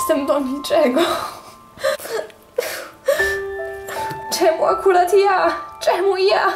Jestem do niczego. Czemu akurat ja? Czemu ja?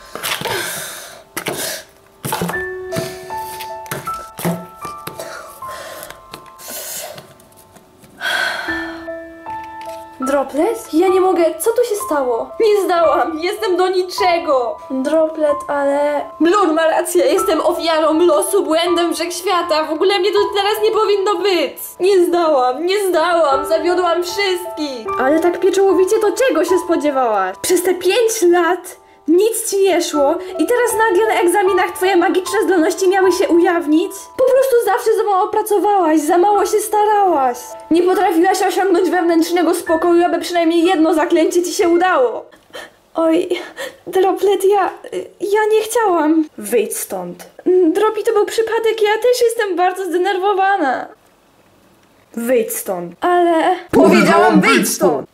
Droplet? Ja nie mogę. Co tu się stało? Nie zdałam. Jestem do niczego. Droplet, ale... Blur ma rację. Jestem ofiarą losu, błędem wszechświata. W ogóle mnie to teraz nie powinno być. Nie zdałam. Zawiodłam wszystkich. Ale tak pieczołowicie to czego się spodziewałaś? Przez te 5 lat nic ci nie szło i teraz nagle na egzaminach twoje magiczne zdolności miały się ujawnić? Po prostu zawsze za mało pracowałaś, za mało się starałaś. Nie potrafiłaś osiągnąć wewnętrznego spokoju, aby przynajmniej jedno zaklęcie ci się udało. Oj, Droplet, ja nie chciałam. Wyjdź stąd. Dropi, to był przypadek, ja też jestem bardzo zdenerwowana. Wyjdź stąd. Ale... Powiedziałam, wyjdź stąd!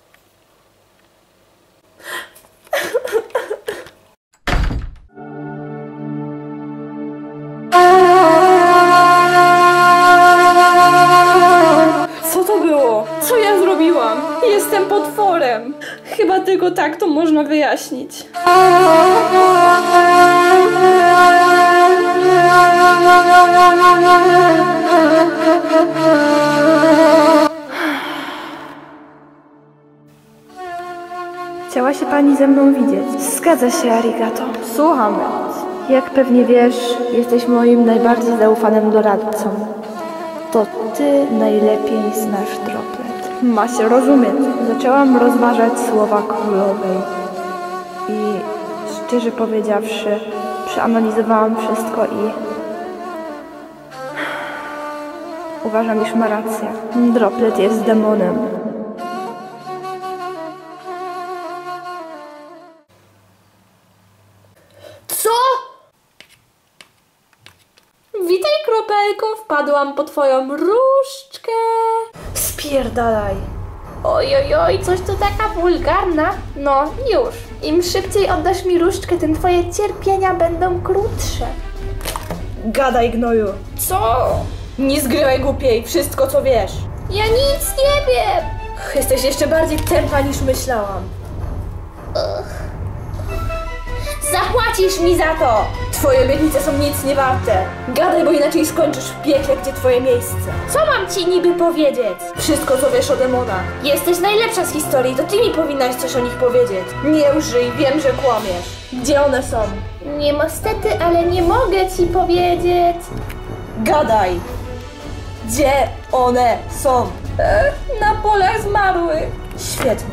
Co to było? Co ja zrobiłam? Jestem potworem. Chyba tylko tak to można wyjaśnić. Chciała się pani ze mną widzieć. Zgadza się, arigato. Słucham. Jak pewnie wiesz, jesteś moim najbardziej zaufanym doradcą. To ty najlepiej znasz Droplet. Ma się rozumieć. Zaczęłam rozważać słowa królowej. I szczerze powiedziawszy, przeanalizowałam wszystko i... uważam, iż ma rację. Droplet jest demonem. Co? Witaj, kropelko, wpadłam po twoją różdżkę. Spierdalaj. Oj, coś tu taka wulgarna. No, już. Im szybciej oddasz mi różdżkę, tym twoje cierpienia będą krótsze. Gadaj, gnoju. Co? Nie zgrywaj głupiej, wszystko co wiesz. Ja nic nie wiem. Jesteś jeszcze bardziej tępa niż myślałam. Zapłacisz mi za to! Twoje obietnice są nic nie warte. Gadaj, bo inaczej skończysz w piekle, gdzie twoje miejsce. Co mam ci niby powiedzieć? Wszystko, co wiesz o demonach. Jesteś najlepsza z historii, to ty mi powinnaś coś o nich powiedzieć. Nie łżyj, wiem, że kłamiesz. Gdzie one są? Niestety, ale nie mogę ci powiedzieć. Gadaj! Gdzie one są? Na polach zmarłych. Świetnie.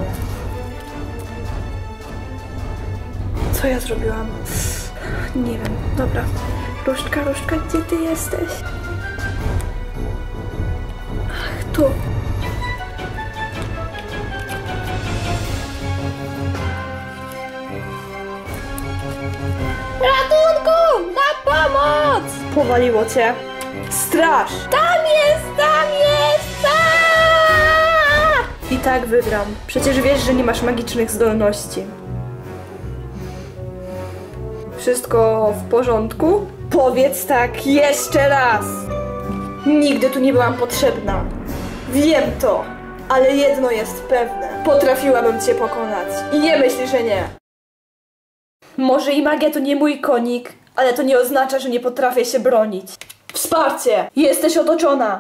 Co ja zrobiłam? Nie wiem. Dobra. Różdżka, gdzie ty jesteś? Ach, tu. Ratunku! Na pomoc! Powaliło cię. Straż! Tam jest! I tak wygram. Przecież wiesz, że nie masz magicznych zdolności. Wszystko w porządku? Powiedz tak jeszcze raz! Nigdy tu nie byłam potrzebna. Wiem to, ale jedno jest pewne. Potrafiłabym cię pokonać. I nie myśl, że nie. Może i magia to nie mój konik, ale to nie oznacza, że nie potrafię się bronić. Wsparcie! Jesteś otoczona!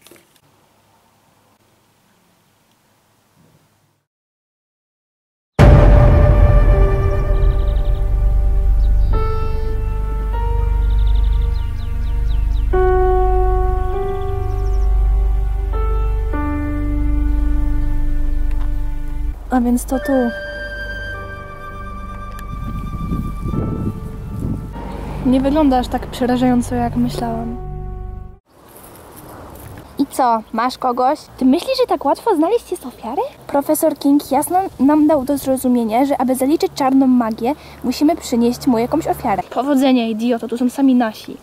A więc to tu. Nie wygląda aż tak przerażająco, jak myślałam. I co, masz kogoś? Ty myślisz, że tak łatwo znaleźć jest ofiarę? Profesor King jasno nam dał do zrozumienia, że aby zaliczyć czarną magię, musimy przynieść mu jakąś ofiarę. Powodzenia, idioto, tu są sami nasi.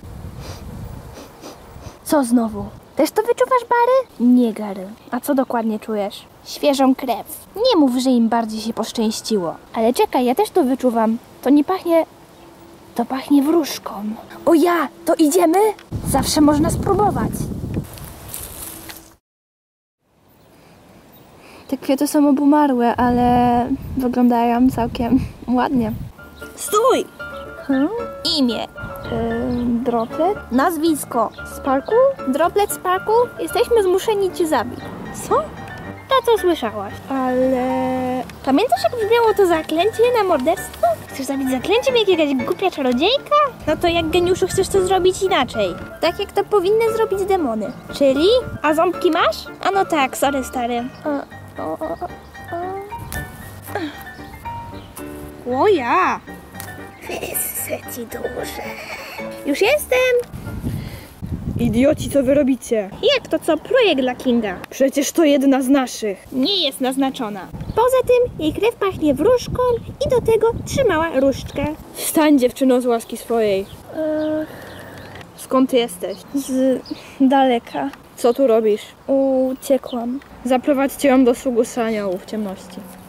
Co znowu? Też to wyczuwasz, Barry? Nie, Gary. A co dokładnie czujesz? Świeżą krew. Nie mów, że im bardziej się poszczęściło. Ale czekaj, ja też to wyczuwam. To nie pachnie... To pachnie wróżką. O ja, to idziemy? Zawsze można spróbować. Te kwiaty są obumarłe, ale wyglądają całkiem ładnie. Stój! Imię. Droplet. Nazwisko. Sparkle? Droplet Sparkle? Jesteśmy zmuszeni cię zabić. Co? To co słyszałaś? Ale... Pamiętasz, jak brzmiało to zaklęcie na morderstwo? Chcesz zabić zaklęciem jakiegoś głupia czarodziejka? No to jak geniuszu chcesz to zrobić inaczej? Tak jak to powinny zrobić demony. Czyli? A ząbki masz? A no tak, sorry stary. O ja! Wyssę ci duszę. Już jestem! Idioci, co wy robicie? Jak to co? Projekt dla Kinga. Przecież to jedna z naszych. Nie jest naznaczona. Poza tym jej krew pachnie wróżką i do tego trzymała różdżkę. Wstań, dziewczyno, z łaski swojej. Skąd ty jesteś? Z daleka. Co tu robisz? Uciekłam. Zaprowadźcie ją do sługu aniołów w ciemności.